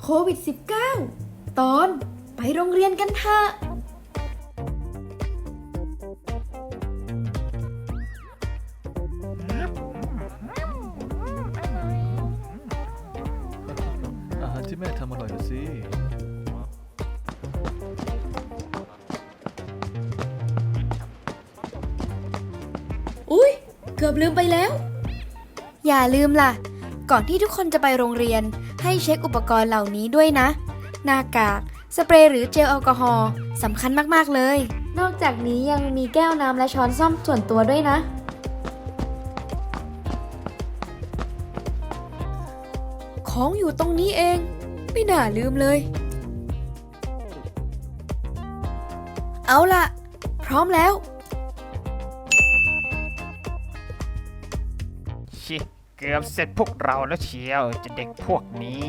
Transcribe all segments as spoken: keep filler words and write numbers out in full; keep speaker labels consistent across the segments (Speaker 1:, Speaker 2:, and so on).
Speaker 1: วิด สิบเก้า ตอนไปโรงเรียนกันเถอะ
Speaker 2: อาหารที่แม่ทำอร่อยนะสิ
Speaker 1: อุ๊ยเกือบลืมไปแล้วอย่าลืมล่ะก่อนที่ทุกคนจะไปโรงเรียนให้เช็คอุปกรณ์เหล่านี้ด้วยนะหน้ากากสเปรย์หรือเจลแอลกอฮอล์สำคัญมากๆเลยนอกจากนี้ยังมีแก้วน้ำและช้อนส้อมส่วนตัวด้วยนะของอยู่ตรงนี้เองไม่น่าลืมเลยเอาล่ะพร้อมแล้ว
Speaker 3: ชิเกือบเสร็จพวกเราแล้วเชียวจะเด็กพวกนี้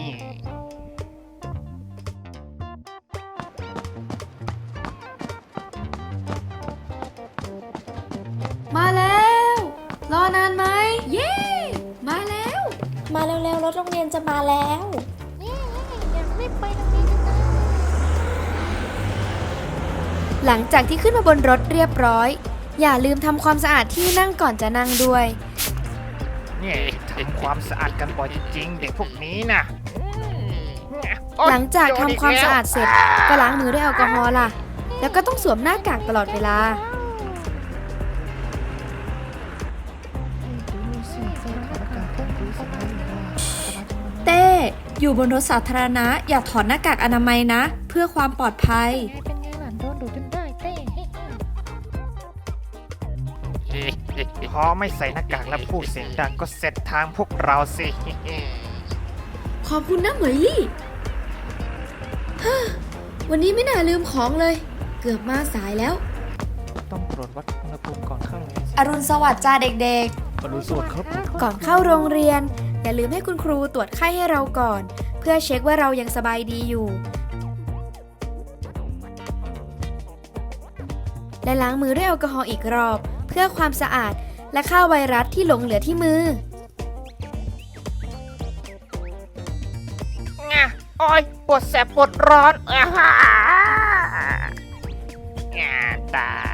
Speaker 1: มาแล้วรอนานไหมเย้มาแล้ว
Speaker 4: มาเร็วๆรถโรงเรียนจะมาแล้ว
Speaker 1: หลังจากที่ขึ้นมาบนรถเรียบร้อยอย่าลืมทำความสะอาดที่นั่งก่อนจะนั่งด้วย
Speaker 3: นี่ทำความสะอาดกันบ่อยจริงๆเด็กพวกนี้นะ
Speaker 1: หลังจากทำความสะอาดเสร็จก็ล้างมือด้วยแอลกอฮอล์ล่ะแล้วก็ต้องสวมหน้ากากตลอดเวลา
Speaker 4: เต้อยู่บนรถสาธารณะอย่าถอดหน้ากากอนามัยนะ เพื่อความปลอดภัย
Speaker 5: เป็นไงหลานโดนดูจนได้เต้
Speaker 3: พอไม่ใส่หน้ากากแล้วพูดเสียงดังก็เสร็จทางพวกเราสิ
Speaker 1: ขอบคุณนะเหมยลี่ฮ่าวันนี้ไม่น่าลืมของเลยเกือบมาสายแล้ว
Speaker 2: ต้องตรวจวัดอุณหภูมิก่อนเข้า
Speaker 4: อรุณสวัสดิ์จ้าเด็ก
Speaker 2: อรุณสวัสดิ์ครับ
Speaker 1: ก่อนเข้าโรงเรียนอย่าลืมให้คุณครูตรวจไข้ให้เราก่อน เพื่อเช็คว่าเรายังสบายดีอยู่และล้างมือด้วยแอลกอฮอล์อีกรอบเพื่อความสะอาดและฆ่าไวรัสที่หลงเหลือที่มือ
Speaker 3: งะโอ้ยปวดแสบปวดร้อนอ่าฮ่า งาตาย